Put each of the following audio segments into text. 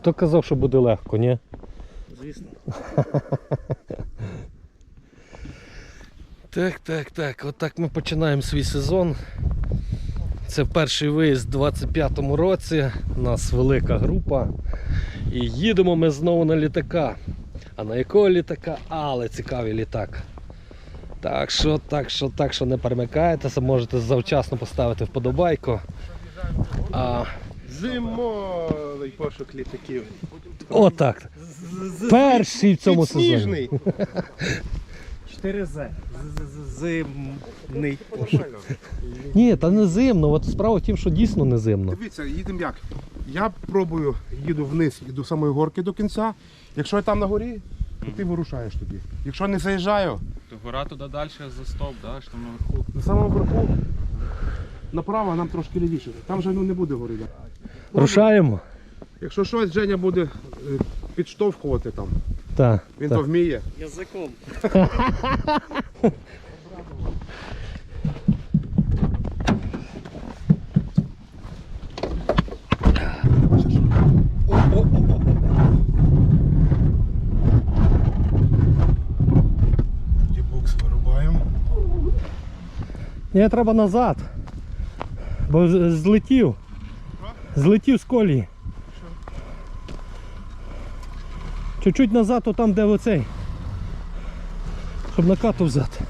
Хто казав, що буде легко, ні? Звісно. Так. Отак ми починаємо свій сезон. Це перший виїзд у 25-му році. У нас велика група. І їдемо ми знову на літака. А на якого літака? Але цікавий літак. Так що не перемикайтеся, можете завчасно поставити вподобайку. Зимовий пошук літаків. Отак. Перший в цьому сезоні. 4З. Зимний пошук. Ні, та не зимно. От справа в тім, що дійсно не зимно. Дивіться, їдемо як. Я пробую, їду вниз, їду самої горки до кінця. Якщо я там на горі, то ти вирушаєш тоді. Якщо не заїжджаю, То гора туди далі за стоп, да? Що там наверху. на самому верху, направо нам трошки лівіше. Там вже не буде гори. Рушаємо? Якщо щось, Женя буде підштовхувати там. Так. Він то вміє. Язиком. Бокс вирубаємо. Ні, треба назад. Бо злетів. Злетів з колії. Чуть-чуть назад, то там, де оцей. Щоб накату взяти.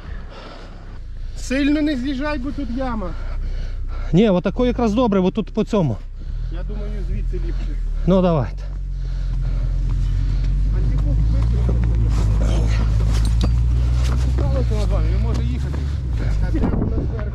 Сильно не з'їжджай, бо тут яма. Ні, отако якраз добре, бо тут по цьому. Я думаю, звідси ліпше. Ну давайте. Антипук викинув. Цікавиться над вами, він може їхати. А де вона зверху?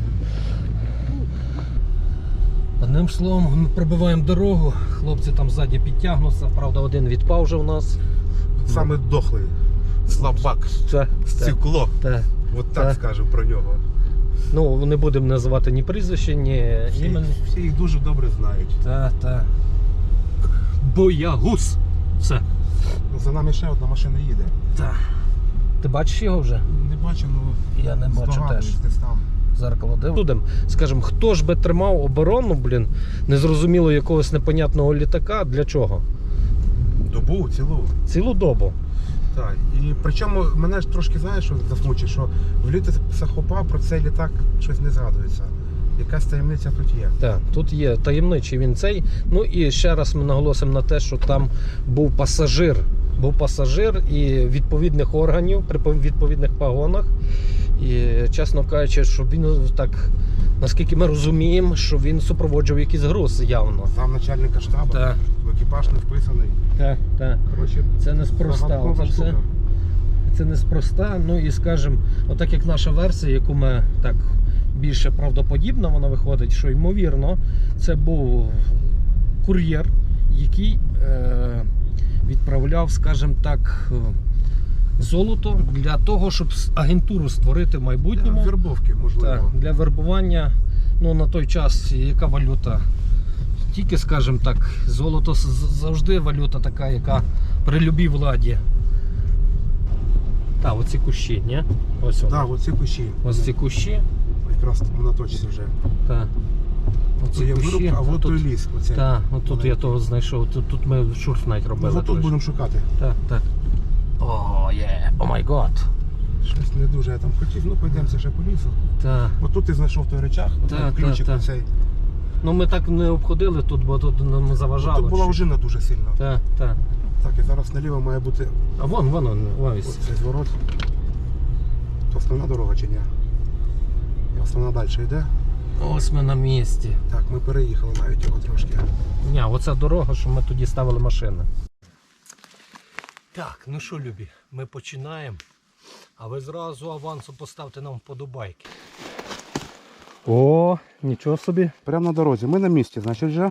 Одним словом, ми пробиваємо дорогу. Хлопці там ззаді підтягнуться. Правда, один відпав вже у нас. Саме дохлий. Слабак. Стекло. От так скажемо про нього. Ну, не будемо називати ні прізвище, ні імені. Всі їх дуже добре знають. Так. Боягуз. Все. За нами ще одна машина їде. Так. Ти бачиш його вже? Не бачу, ну Я не бачу теж. здогадуюсь, десь там. Зеркало дивимо. Скажем, хто ж би тримав оборону, незрозуміло якогось непонятного літака, для чого? Добу, цілу. Цілу добу. Так. І причому мене ж трошки, знаєш, що засмучить, що в літописах ХОПа про цей літак щось не згадується. Якась таємниця тут є. Так, тут є таємничий він цей. Ну і ще раз ми наголосимо на те, що там був пасажир. Був пасажир і відповідних органів при відповідних погонах. І, чесно кажучи, що він так, наскільки ми розуміємо, що він супроводжував якийсь груз явно. Сам начальника штабу, Так. в екіпаж не вписаний. Так. Коротше, Це неспроста. загадкова штука. Це неспроста. Ну і скажімо, отак як наша версія, яку ми так більше правдоподібно вона виходить, що ймовірно це був кур'єр, який відправляв, скажімо так, золото для того, щоб агентуру створити в майбутньому. Вербовки, можливо. Так, для вербування, ну на той час яка валюта? Тільки, скажімо так, золото завжди валюта така, яка при любій владі. Так, оці кущі, ні? Ось вони. Так, оці кущі. Ось ці кущі. Якраз на точці вже. Так. Це є вирубка, а от той ліс. Оцей. Так, отут я того знайшов. Тут ми шурф навіть робили. Ну, тут будемо шукати. Так. О май гад. Щось не дуже я там хотів, ну пойдемося ще по лісу. Так. Отут ти знайшов той речах, ключик оцей. Ну ми так не обходили тут, бо тут нам заважало. Тут була ожина дуже сильно. Так. Так, і зараз наліво має бути А вон, ось. цей зворот. То основна дорога чи ні? І основна далі йде. Ось ми на місці. Так, ми переїхали навіть його трошки. Ні, оця дорога, що ми тоді ставили машини. Так, ну що, любі, ми починаємо. А ви зразу авансом поставте нам вподобайки. О, нічого собі. Прямо на дорозі. Ми на місці, значить вже.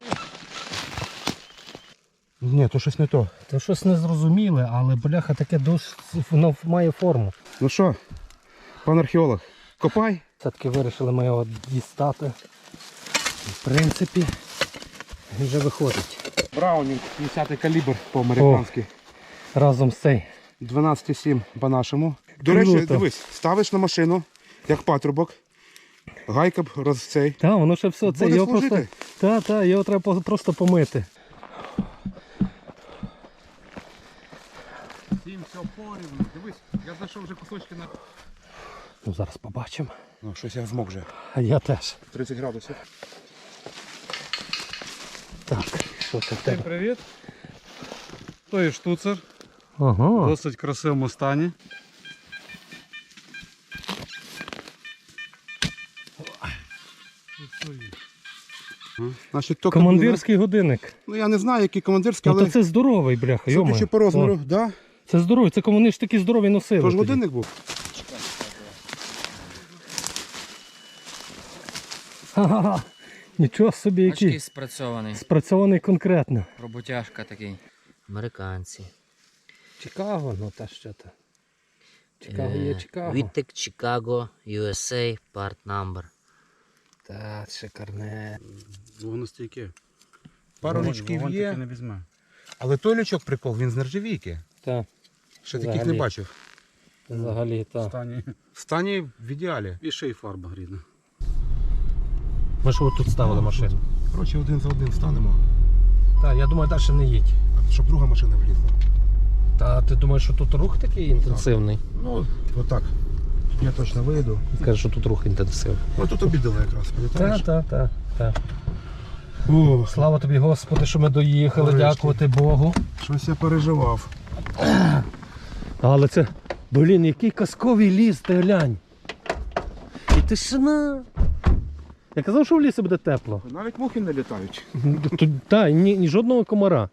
Ні, то щось не то. Це щось незрозуміле, але бляха таке досить, воно має форму. Ну що, пан археолог, копай. Все-таки вирішили ми його дістати. В принципі, він вже виходить. Браунінг, 50-й калібр по-американськи. Разом з цей. 12,7 по-нашому. До речі, Круто. дивись, ставиш на машину, як патрубок. Гайка б цей. Так, воно ще все. Це Буде його служити. просто. Так, його треба просто помити. Всім все порівну. Дивись, я знайшов вже кусочки на... Ну зараз побачимо. Ну, щось я змог вже. А я теж. 30 градусів. Так, що це в Всім тебе? привіт. То є штуцер, Ага. в досить красивому стані. Значить, то Командирський годинник. Ну я не знаю, який командирський, Ну але то це здоровий, бляха, йома. судячи по розміру, да? Це здоровий, це вони ж такі здорові носили. Тож тоді. годинник був. Ха-ха-ха. Нічого собі, Очки який спрацьований. спрацьований конкретно. Роботяжка такий. Американці. Чикаго, ну та що то. Чикаго є Чикаго. Віттек, Чикаго, USA, part number. Та, шикарне. Вогностійки. Пару лючків Вогонь є. таки не візьме. Але той лючок прикол, він з нержавійки. Так, Ще таких Взагалі. не бачив. взагалі, В так. стані. В стані в ідеалі. І ще й фарба рідна. Ми ж тут ставили машину. Коротше, один за один встанемо, Так, я думаю, далі не їдь. щоб друга машина влізла. Та ти думаєш, що тут рух такий інтенсивний? Ну, отак. Я точно вийду. Каже, що тут рух інтенсивний. Ну тут обідали якраз, пам'ятаєш? Так. О, Слава тобі, Господи, що ми доїхали, Нарешті. дякувати Богу. щось я переживав. Але це, блін, який казковий ліс, ти глянь. І тишина. Я казав, що в лісі буде тепло. Навіть мухи не літають. Так, ні жодного комара.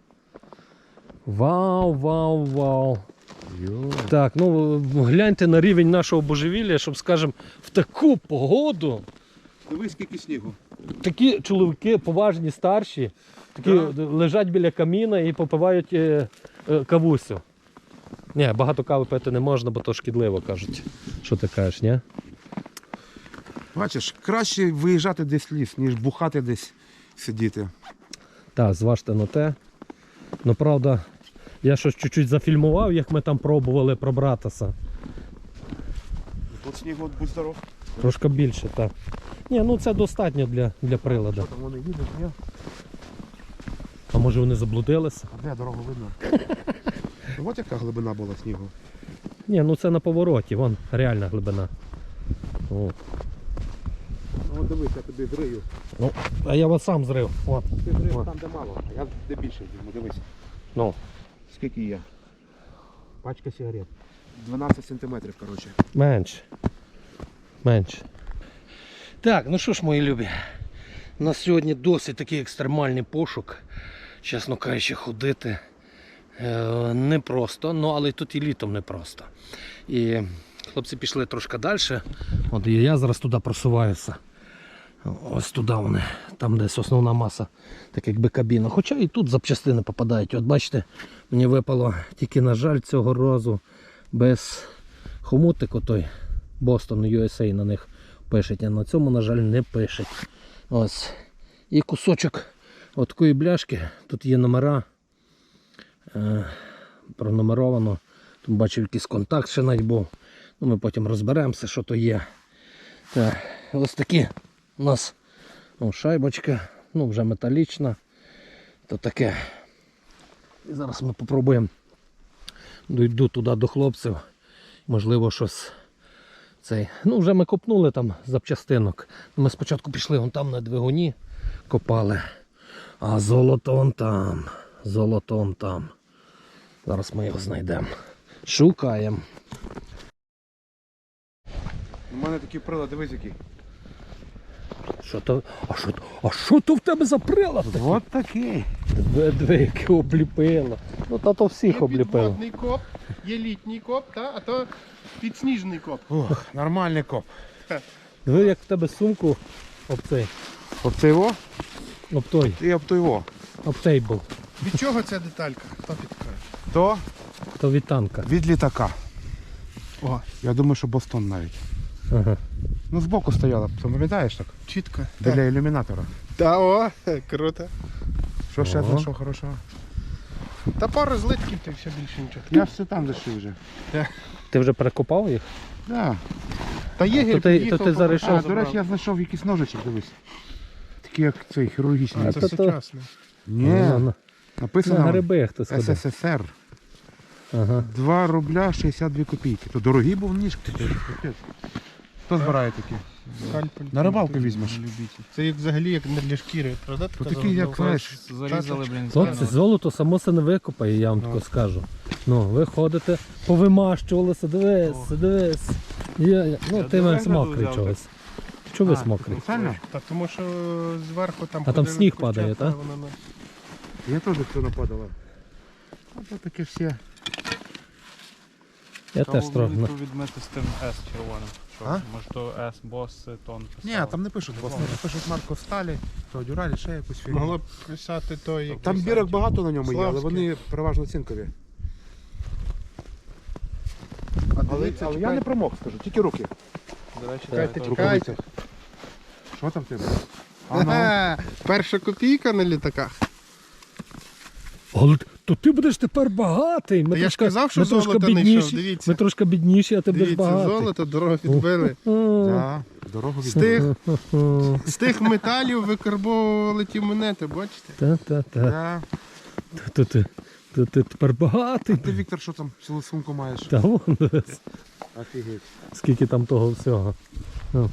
Вау. Так, ну гляньте на рівень нашого божевілля, щоб, скажемо, в таку погоду Дивись, скільки снігу. такі чоловіки поважні, старші, такі лежать біля каміна і попивають кавусю. Ні, багато кави пити не можна, бо то шкідливо, кажуть. Що ти кажеш, ні? Бачиш, краще виїжджати десь в ліс, ніж бухати десь сидіти. Так, зважте на те. Ну, правда, я щось чуть-чуть зафільмував, як ми там пробували пробратися. Тут снігу, будь здоров. Трошки більше, так. Ні, ну це достатньо для приладу. Там вони їдуть, ні? А може вони заблудилися? А де дорогу видно? Ось яка глибина була снігу. Ні, ну це на повороті, вон реальна глибина. О. Ну дивись, я тобі зрию. Ну, а я вас сам зрив. От. Ти зрив там, де мало, а я де більше візьму, дивись. Ну. Скільки є? Пачка сигарет. 12 сантиметрів, коротше. Менше. Так, ну що ж, мої любі. У нас сьогодні досить такий екстремальний пошук. Чесно кажучи, ходити непросто, ну але тут і літом непросто. І хлопці пішли трошки далі. От і я зараз туди просуваюся. Ось туди вони, там десь основна маса, так якби кабіна. Хоча і тут запчастини попадають. От бачите, мені випало тільки, на жаль, цього разу без хомутику той Boston USA на них пишуть, а на цьому, на жаль, не пишуть. Ось. І кусочок от такої бляшки, тут є номера, пронумеровано. Тут бачив якийсь контакт ще навіть був. Ну, ми потім розберемося, що то є. Так, ось такі у нас шайбочка, ну вже металічна. То таке. І зараз ми спробуємо дойду туди до хлопців. Можливо, щось цей. Ну, вже ми копнули там запчастинок. Ми спочатку пішли вон там на двигуні, копали. А золото вон там. Золото вон там. Зараз ми його знайдемо. Шукаємо. У мене такий прилад, дивись який. Що то? А що то в тебе за прилад такий? От такий. Диви, яке обліпило. Ну та то всіх Є обліпило. підводний коп, є літній коп, а то підсніжний коп. Ох, нормальний коп. Диви, як в тебе сумку об цей. Об це його? Об той. І об то його. Об тейбл. Від чого ця деталька? Хто підкаже? То То від танка. від літака. О, Я думаю, що Бостон навіть. Ага. Ну збоку стояла, пам'ятаєш так? чітко. Біля ілюмінатора. Та о, круто. Що ще Ого. знайшов хорошого? Та пару злитків, ти все більше нічого. Я все там зайшов вже. Ти вже перекопав їх? Да. Та є То ти зараз А, до речі, я знайшов якийсь ножичок, дивись. Такий як цей хірургічний. А, Це то- сучасне. Ні, На написано гриби хтось ходив. СССР. Ага. 2 рубля 62 копійки. То дорогі був ніж. Капець. Хто збирає такі? Скальпель. На рибалку візьмеш. Це як взагалі як не для шкіри, правда? То така такий, як заготовка? знаєш, Зарізали, блін, Хлопці, золото само се не викопає, я вам тако скажу. Ну, ви ходите, повимащувалися, дивись. Ну, ти мене мокрий чогось. Чого ви мокрий? Спеціально? Та тому що зверху там А там ходили сніг курчата, падає, та? воно Я теж все нападала. А то таке все. Я теж трохи. Треба відмити з тим S червоним. Що? А? Може то S, бос, тон. Ні, там не пишуть бос, пишуть марку Сталі, то Дюралі, ще якусь фірму. могло б писати той, як Там бірок багато на ньому є, але Славський. вони переважно цинкові. А Але дивіться, я чекай. не промок, скажу, тільки руки. До речі, Чекайте, так, чекайте. Що там в тебе? Ага, перша копійка на літаках. Але то ти будеш тепер багатий. Ми Та я ж трошки- казав, що ми трошки золото не бідніші. йшов, дивіться. Ми трошки бідніші, а ти будеш Дивіться, багатий. золото, дорого відбили. Так, дорогу З від... тих, з тих металів викарбовували ті монети, бачите? Та-та-та. Да. То ти тепер багатий. Ти, Віктор, що там цілу сумку маєш? Та вон, дивись, Офігеть. скільки там того всього. Ну.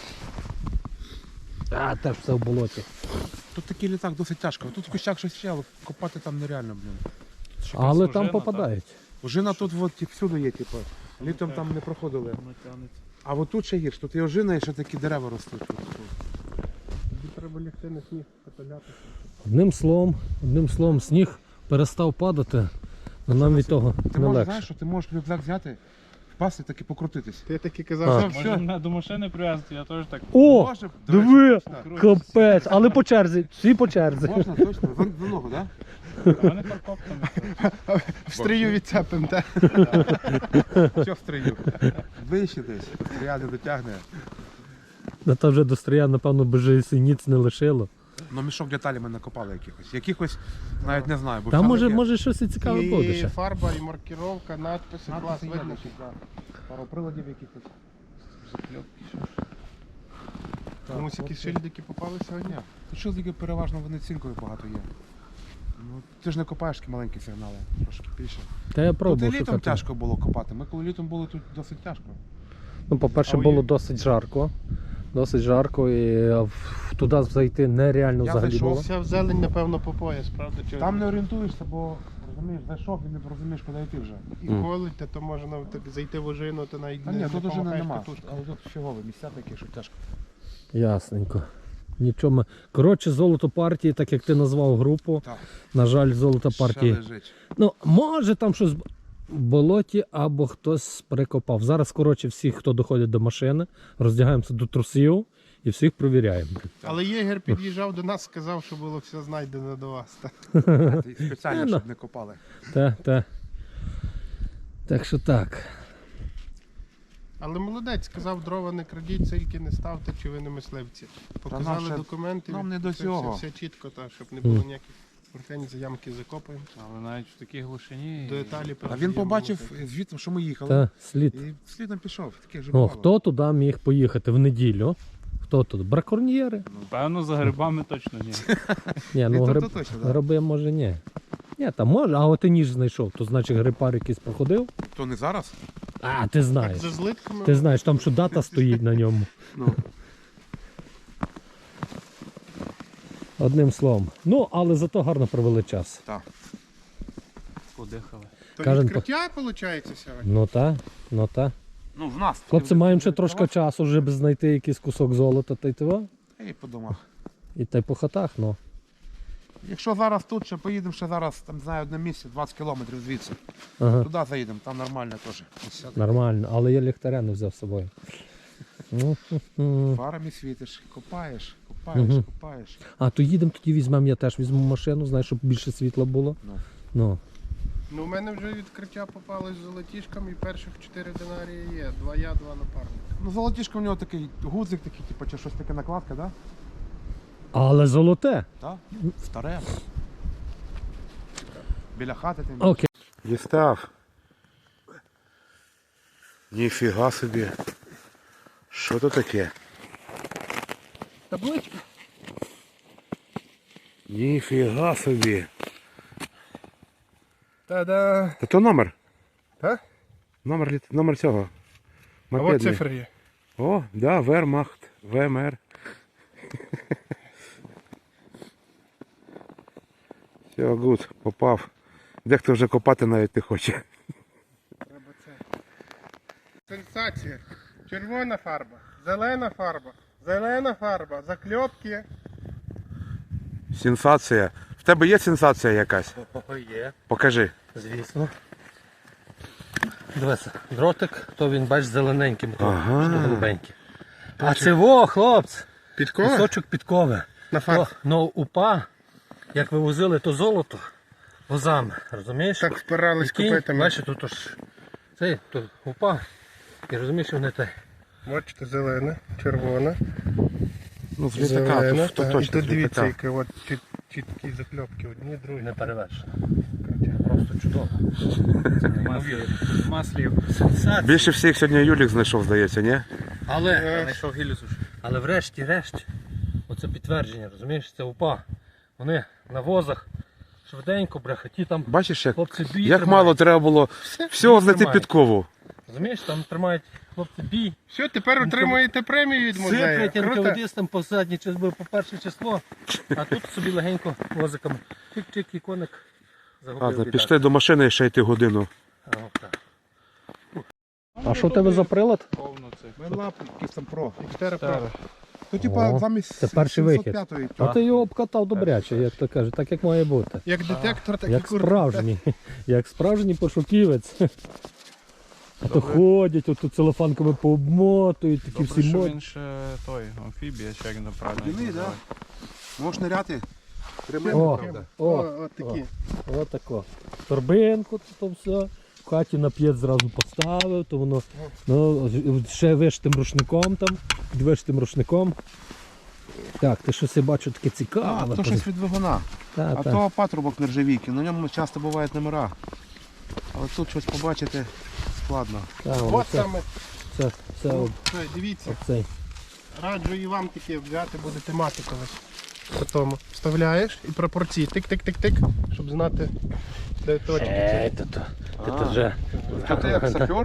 А, теж все в болоті. Тут такий літак досить тяжко. Тут в кущах щось ще, але копати там нереально, блін. Але ожина, там так? попадають. Ожина тут от, всюди є, типу. Літом там не проходили. А от тут ще гірше, тут і ожина, і ще такі дерева ростуть. Тут. Тобі треба лягти на сніг, потолятися. Одним словом, сніг перестав падати, але нам від того Ти не можеш, легше. знаєш, що ти можеш рюкзак взяти, впасти так і покрутитись. Ти таки А. казав, що Може мене до машини прив'язати, я теж так. О, Може, до речі, диви, так. капець, але по черзі, всі по черзі. Можна, точно, в ногу, так? А вони парковками. в стрію відцепим, так? Що в стрию? Вище десь, стрія не дотягне. Да там вже до стрія, напевно, бежи синіць не лишило. Ну мішок деталі ми накопали якихось. Якихось навіть не знаю. Бо Там там може, таке. може щось і цікаве буде І ще. фарба, і маркіровка, надписи, клас, Надписи є видно. десь, да. Пару приладів якихось. Комусь якісь шильдики попали сьогодні. Тут шилдики переважно вони цинкові багато є. Ну, ти ж не копаєш такі маленькі сигнали, трошки більше. Та я Тут і пробував літом шукати. тяжко було копати. Ми коли літом були, тут досить тяжко. Ну, по-перше, А у було є- досить жарко. Досить жарко і туди зайти нереально Я взагалі зайшов, було. Вся в зелень, напевно, по пояс, правда? Чи Там не орієнтуєшся, бо розумієш, зайшов і не розумієш, куди йти вже. і колить, то можна так зайти в ожину, то навіть А не, ні, не тут уже помахаєш нема. катушкою. Але тут фігові місця такі, що тяжко. Ясненько. Нічого ми. Коротше, золото партії, так як ти назвав групу. Так. На жаль, золото Ще партії. лежить. Ну, може там щось в болоті або хтось прикопав. Зараз, коротше, всіх, хто доходить до машини, роздягаємося до трусів і всіх провіряємо. Але єгер під'їжджав до нас, сказав, що було все знайдено до вас. Так, Ти спеціально, щоб не копали. Та. Так що так. Але молодець, сказав, дрова не крадіть, цильки не ставте, чи ви не мисливці. Показали ще- документи. нам не до все- цього. Все чітко, так, щоб не було ніяких претензій, ямки закопаємо. Але навіть в такій глушині. До Італії А він передаємо побачив молодець. звідти, що ми їхали. Та, слід. І слідом пішов. Таке вже О, бувало. хто туди міг поїхати в неділю? Хто тут? Браконьєри? Певно, за грибами точно ні. Ні, ну Віктор, гриб... то точно, да. гриби може ні. Ні, там може, а от ти ніж знайшов, то значить грипар якийсь проходив. То не зараз? А, ти Так, знаєш. за злитками. Ти знаєш, там що дата стоїть на ньому. Ну. Одним словом. Ну, але зато гарно провели час. Так. Подихали. То Кажем, відкриття, виходить, сьогодні? Ну та. Ну, в нас. Хлопці, маємо ще трошки часу, щоб знайти якийсь кусок золота та й того. І по домах. І та й по хатах, ну. Якщо зараз тут ще поїдемо, ще зараз, там, знаю, одне місце, 20 кілометрів звідси. Ага. Туди заїдемо, там нормально теж. Нормально, але я ліхтаря не взяв з собою. Ну, Фарами світиш, копаєш, копаєш, Мгм. копаєш. А то їдемо, тоді візьмемо, я теж візьму машину, знаєш, щоб більше світла було. Ну. Ну. Ну, у мене вже відкриття попалось з золотішком і перших 4 динарії є. 2 я, 2 напарника. Ну, золотішко в нього такий гудзик, такий, типу, чи щось таке накладка, да? Але золоте. Так? Старе. Біля хати тим. Окей. Дістав. Ніфіга собі. Що то таке? Табличка. Ніфіга собі. Та-да. Та то номер. Так? Номер цього. А от Мопедний. цифри є. О, да, Вермахт, ВМР. Все, гуд, попав. Дехто вже копати навіть не хоче. Треба це. Сенсація. Червона фарба, зелена фарба, закльопки. Сенсація. В тебе є сенсація якась? Є, Покажи. звісно. Дивися, дротик, то він, бач, зелененьким, Ага. голубенький. А це во, хлопці, Підкова? кусочок підкови. На фарб. Ну, упа, як вивозили то золото возами, розумієш? Так впирались І кінь, копитами. бачиш, тут аж цей, тут упа. І розумієш, вони те. Бачите, зелена, червона, Ну, з літака, зелена. то та, і точно тут з дивіться, літака. які от чіткі закльопки. Одні, другі. Не перевершено. Просто чудово. Маслів. Сенсація. Більше всіх сьогодні Юлік знайшов, здається, ні? Але, Знайшов гілю суші. але врешті-решт, оце підтвердження, розумієш, це упа. Вони на возах швиденько, бляха, ті там Бачиш, як, хлопці бій як тримають. мало треба було всього знайти тримають. підкову. Розумієш, там тримають хлопці бій. Все, тепер отримуєте премію від музею. Сиплять Круто. НКВДистам по задній число, по перше число, а тут собі легенько возиком. Чик-чик і коник загубив. Ладно, бідак. пішли до машини ще йти годину. А що в тебе за прилад? Повно цих. Менлап, якийсь там про. Xterra Pro. То О, замість це перший вихід. 705-ї. А ти його обкатав добряче, як то кажуть, так як має бути. Як детектор, так і Як курва. справжній, як справжній пошуківець. А то ходять, отут целофанками пообмотують, такі Добре, всі що мод. він ще той, амфібія, чи як він правильно Єдиний, їх да. називає. Можеш ниряти. О, О, о, от такі. отако. Торбинку, то все. В хаті на п'єт зразу поставив, то воно ну, ще вишитим рушником там, під вишитим рушником. Так, ти щось я бачу таке цікаве. то щось від двигуна. Та, А та. то патрубок нержавійки, на ньому часто бувають номера. Але тут щось побачити складно. Та, воно От це, саме. це, це, Це, дивіться, цей. раджу і вам таке взяти, будете мати колись. Потім вставляєш і пропорції тик-тик-тик-тик, щоб знати, де точки. Ти вже. Що ти як сапер?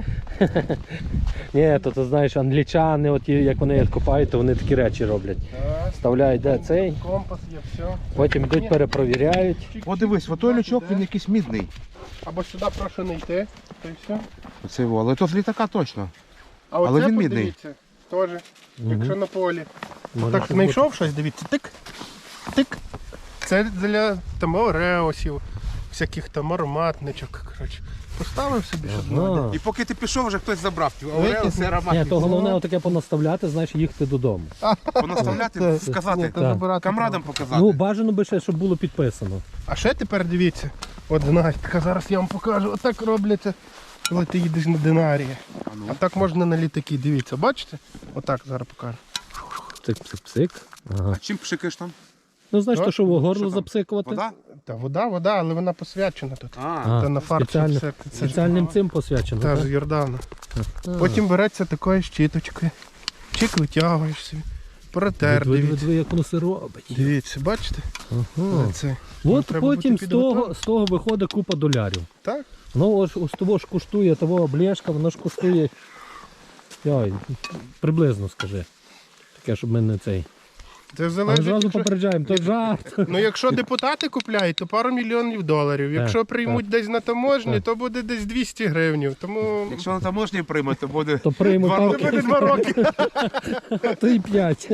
Ні, то знаєш, англічани, от, як вони копають, то вони такі речі роблять. Вставляють де цей, Компас є, все. потім йдуть, перепровіряють. О, дивись, отой лючок, він якийсь мідний. Або сюди прошу не йти, то і все. Оце його, але то з літака точно. А Але оце він мідний. подивіться, теж, якщо на полі. Може Так, щось знайшов щось, дивіться, тик, тик. Це для там ореосів, всяких там ароматничок, коротше. Поставив собі, щоб бути. знати. Ага. І поки ти пішов, вже хтось забрав. Викиснув. Ні, то головне отаке понаставляти, знаєш, їхати додому. Понаставляти, Ні, сказати, то забирати камрадам треба. показати. Ну, бажано би ще, щоб було підписано. А ще тепер дивіться, от знахідка, зараз я вам покажу, отак робляться, коли ти їдеш на динарії. ну. А так можна на літаки, дивіться, бачите? Отак зараз покажу. Псик-псик-псик. Ага. А чим пшикаєш там? Ну, знаєш, Що? то що в горло Що там? запсикувати? Вода? Та вода, але вона посвячена тут. А, Та на фарб спеціально- це Спеціальним цим посвячено, Та так? з Йордану. А. Потім береться такою щіточкою. Чик витягуєш собі. Протер, Диви, дивіться. як воно все робить. Дивіться, бачите? Ага. Це. От треба потім бути з того виходить купа долярів. Так? Ну, ось того ж коштує, того облєшка, воно ж коштує. Ой, приблизно скажи. Таке, щоб ми не цей. Це Але залежить. зразу Якщо... попереджаємо, то жарт. Ну якщо депутати купляють, то пару мільйонів доларів. Якщо приймуть десь на таможні, Так. то буде десь 200 гривень. Тому Якщо на таможні прийме, то буде То приймуть 2 роки. буде 2 роки. а то і 5.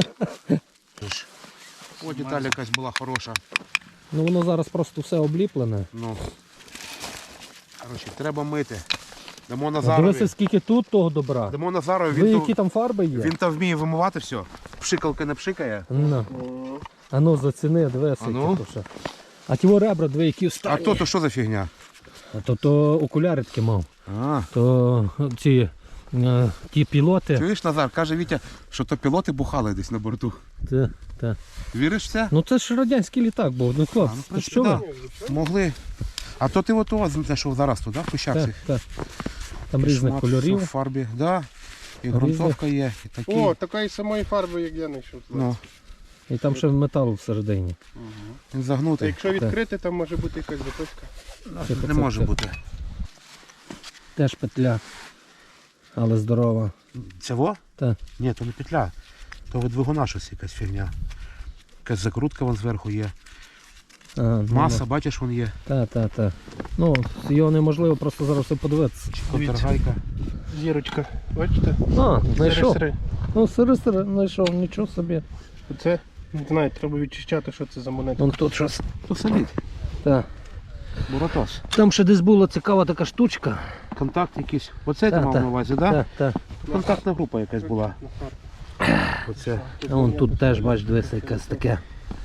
О, деталь якась була хороша. Ну воно зараз просто все обліплене. Ну. Коротше, треба мити. Дамо А Назарові. дивися, скільки тут того добра. Дамо Назарові, Ви, він, які там фарби є? він там вміє вимивати все. Пшикалки не пшикає. Ну. А ну заціни, дивися, А ну. які то ще. А ті о ребра, дві, які А встані. то що за фігня? А то окуляри такі мав. А, То ці ті пілоти. чуєш, Назар, каже Вітя, що то пілоти бухали десь на борту. Та. Віриш в це? Ну це ж радянський літак був. Ну хлопці, ну, в то принципі, що да. ви? Могли. А то ти ото знайшов зараз туди, в кущах Так, цих. так. Там різних Шмат кольорів. в фарбі, да. І ґрунтовка є, і такі. О, такої самої фарби, як я знайшов. Ну, І там ще метал всередині. він Та загнутий. якщо відкрити, там може бути якась записка. Не може бути. теж петля. Але здорова. Цього? Так. Ні, то не петля. То від двигуна щось якась фігня. Якась закрутка вон зверху є. Маса, бачиш, вон є. Так. Ну, його неможливо просто зараз все подивитися. Контргайка. Зірочка, бачите? А, знайшов. Сири-сири. Ну, сири знайшов, нічого собі. Оце, не знаю, треба відчищати, що це за монета. Вон тут щось. То солід. Так. Буратос. Там ще десь була цікава така штучка. Контакт якийсь. Оце ти Так, мав так. на увазі, так? Так. Контактна група якась була. Оце. А вон тут теж, бач, дивися, якесь таке.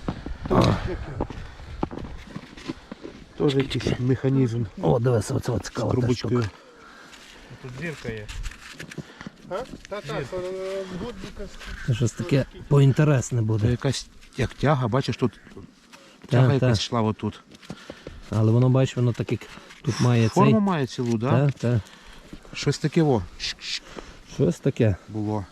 Теж якийсь механізм О, дивися, оце з цікава та трубочкою. штука. Тут зірка є. Так, гудзика. Це щось таке поінтересне Це буде. якась як тяга, бачиш, тут тяга Так, якась так. йшла отут. Але воно, бачиш, воно так як тут має Форму цей. має цілу, так? Так. Щось таке во Щось таке. було.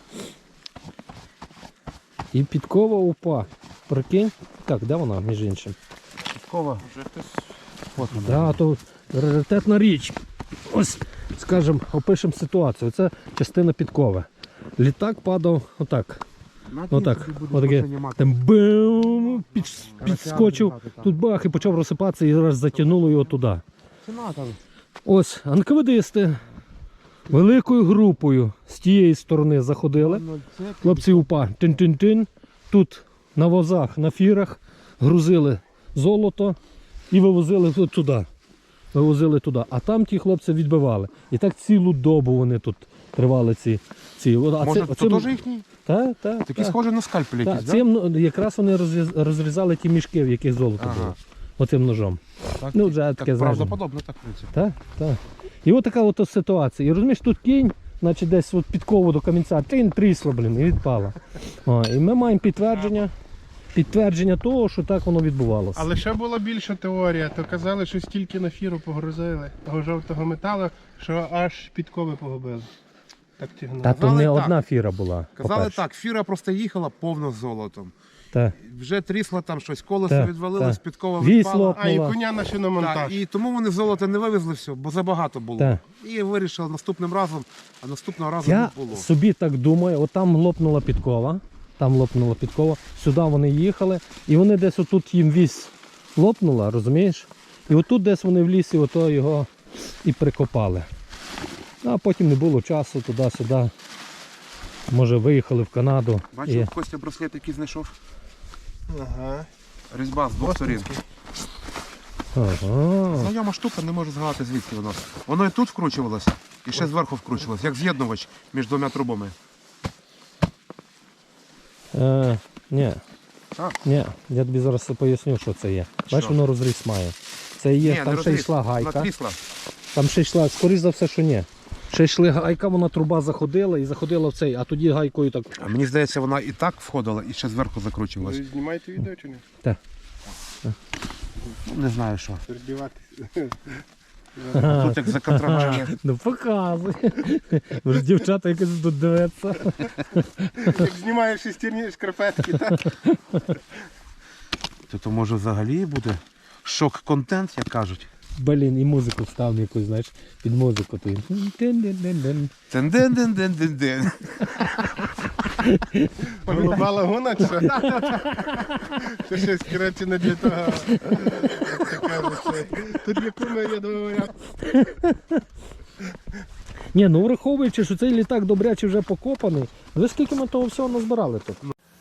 І підкова упа. Прикинь. Так, де вона, між іншим? Підкова. Вже хтось От вона. Да, то раритетна річ. Ось, скажімо, опишемо ситуацію. Це частина підкови. Літак падав отак. Отак. Отаке. Там бим, підскочив, тут бах і почав розсипатися і раз затягнуло його туди. Ось, анкведисти великою групою з тієї сторони заходили. Хлопці УПА тин-тин-тин. Тут на возах, на фірах грузили золото і вивозили туди. Вивозили туди. А там ті хлопці відбивали. І так цілу добу вони тут тривали ці. Може, це теж їхній? Так. Такі схожі на скальпель якісь, так? Цим якраз вони розрізали ті мішки, в яких золото Ага. було. Оцим ножом. Так, Ну, вже так таке, знаєш. правдоподобно, так, в принципі. Так. І от така от ситуація. І розумієш, тут кінь, значить десь от підкову до камінця, трісло, і відпала. І ми маємо підтвердження того, що так воно відбувалося. Але ще була більша теорія, то казали, що стільки на фіру погрузили того жовтого металу, що аж підкови погубили. Так тягнуло. Та то Казали не так. одна фіра була. Казали по-перше. так, фіра просто їхала повно з золотом. Так. Вже трісла там щось, колесо Так, відвалилось, так. підкова Вісло. відпала. А, і була. коня на Так, шиномонтаж. і тому вони золото не вивезли все, бо забагато було. Так. І вирішили наступним разом, а наступного разу Я не було. собі так думаю, от там лопнула підкова, сюди вони їхали, і вони десь отут їм вісь лопнула, розумієш? І отут десь вони в лісі ото його і прикопали. А потім не було часу туди-сюди. Може виїхали в Канаду. Бачив, І... Костя браслет який знайшов? Ага. Різьба з двох сторін. Ага. Знайома штука, не можу згадати звідки воно. Воно і тут вкручувалось, і ще зверху вкручувалось, як з'єднувач між двома трубами. Ні. Так. Ні, я тобі зараз поясню, що це є. Бачиш, Що? воно розріз має. Це є, Ні, там не ще розріз, йшла гайка. вона трісла. Там ще йшла, скоріш за все, що ні. Ще йшли гайка, вона труба заходила і заходила в цей, а тоді гайкою так. А мені здається, вона і так входила, і ще зверху закручувалась. Ви знімаєте відео чи ні? Ну, не знаю що. Перебиватись. Тут як за контрабанді. Ну показуй. Ви ж дівчата якось тут дивиться. Як знімаєш шестерні шкарпетки, так? То може взагалі буде шок-контент, як кажуть. Блін, і музику вставлю якусь, знаєш, під музику. Ти. Тен-ден-ден-ден-ден-ден. Голуба лагуна чи що? Це щось, коротше, не для того. Як то кажуть, тут є куми, я думаю, Ні, ну враховуючи, що цей літак добряче вже покопаний, ви скільки ми того всього назбирали тут?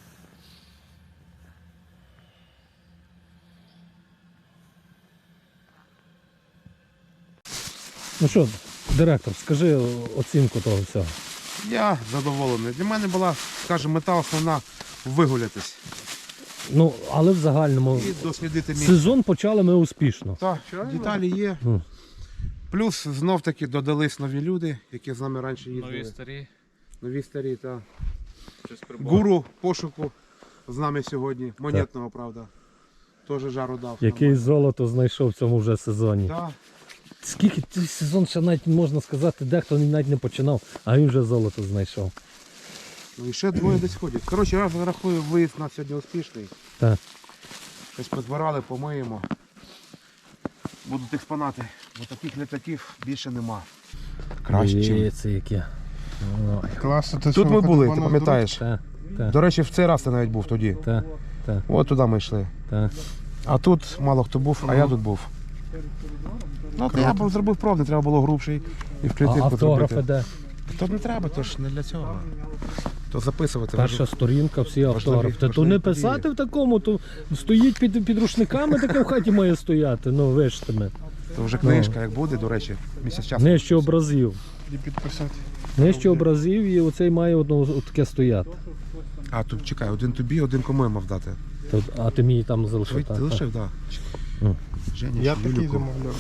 Ну що, директор, скажи оцінку того всього. Я задоволений. Для мене була, скажімо, мета основна вигулятись Ну, але в загальному і дослідити місце. сезон почали ми успішно. Так, деталі є. Ну. Плюс знов-таки додались нові люди, які з нами раніше їздили. нові старі. Нові старі, так. Щось прибуло. Гуру пошуку з нами сьогодні. Монетного, правда. Теж жару дав. Який золото знайшов в цьому вже сезоні. Так. Скільки цей сезон ще навіть можна сказати, дехто навіть не починав, а він вже золото знайшов. Ну і ще двоє десь ходять. Коротше, я рахую, виїзд у нас сьогодні успішний. Так. Щось позбирали, помиємо. Будуть експонати. Бо таких літаків більше нема. Краще, ніж. Дивіться, яке. Ой, Класно. Тут ми були, ти пам'ятаєш? та, та, До речі, в цей раз ти навіть був тоді. та, та, От туди ми йшли. та. А тут мало хто був, а я тут був. Ну, то я б зробив пробний, треба було грубший і в А клітинку автографи зробити. де? То не треба, то ж не для цього. То записувати. Перша сторінка, всі Важливі- автографи. Та то важливі не події. писати в такому, то стоїть під рушниками, таке в хаті має стояти. Ну, вижте ми. То вже книжка, як буде, до речі, місяць часу. Нижче образів. І підписати. Нижче образів і оцей має одно таке стояти. А, тут чекай, один тобі, один кому я мав дати. А ти мені там Ти залишив. так, лишив, так. Ну. Женя, Я чи такий Юліку? замовляв.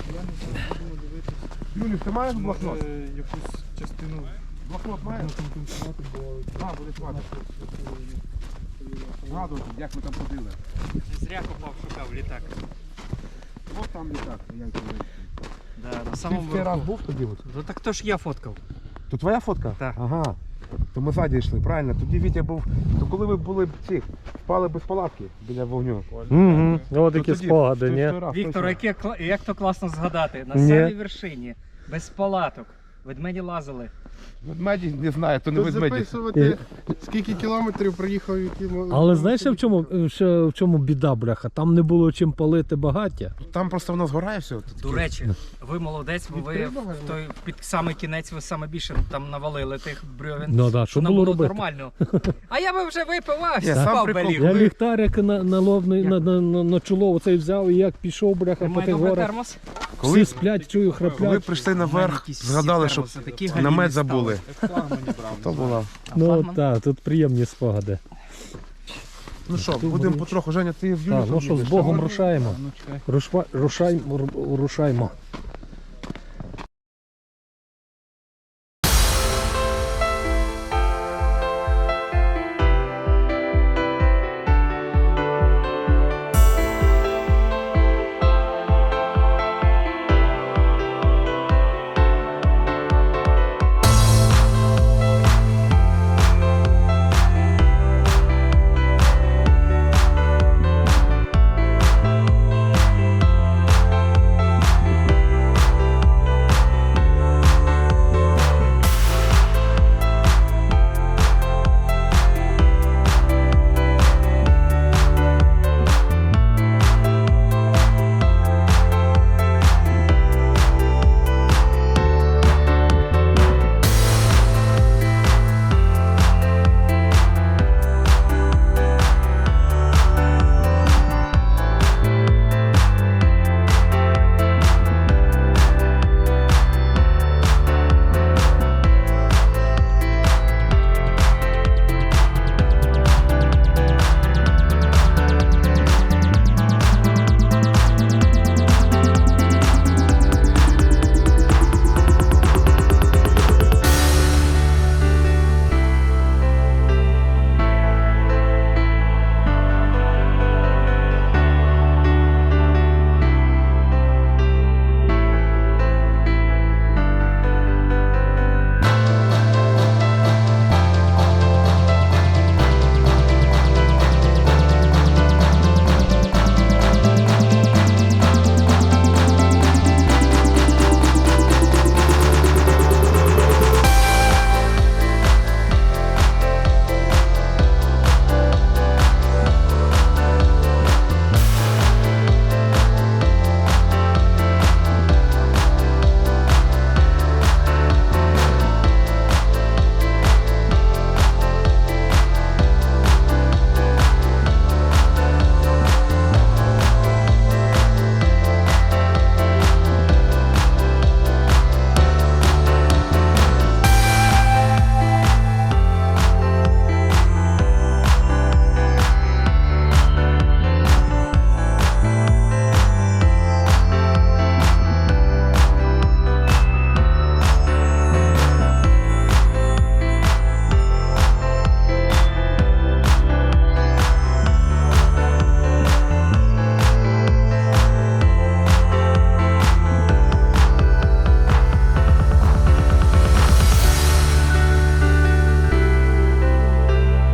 Юлі, ти маєш блокнот? Якусь частину. Блокнот маєш? А, буде хватить. Згадувати, як ми там ходили. Зря копав, шукав літак. Ось там літак. Да, на Ти самому в цей раз верху. був тоді? От? Ну так то ж я фоткав. То твоя фотка? Так. Ага. То ми ззаді йшли, правильно. Тоді Вітя був. То коли ви були ці, спали без палатки біля вогню. Угу. Ось То такі тоді, спогади, той- ні? той раз, Віктор, точно. як то класно згадати. На Ні. самій вершині, без палаток. Ведмеді лазили. Ведмеді, не знаю, то не Тут ведмеді. записувати, скільки кілометрів проїхав, які... Але знаєш, в чому біда, бляха? Там не було чим палити багаття. Там просто воно згорає все. До речі, ви молодець, бо ви в той під самий кінець ви саме більше там навалили тих брьовін. Ну да, що Нам було робити? нормально. А я би вже випив, а Я сам спав прикол. белів. Я ліхтарик на лобний, на чоло оцей взяв і як пішов, бляха, по Має тих добрий горах. термос? Всі сплять, чую, Коли храплять. прийшли У мене наверх, якісь згадали, всі що термоси такі намет галімі забули. То була. Ну флагман? так, тут приємні спогади. Ну що, будемо потроху, Женя, ти в Юлю Так, ну що, з їдеш, Богом так? рушаємо. Рушаймо.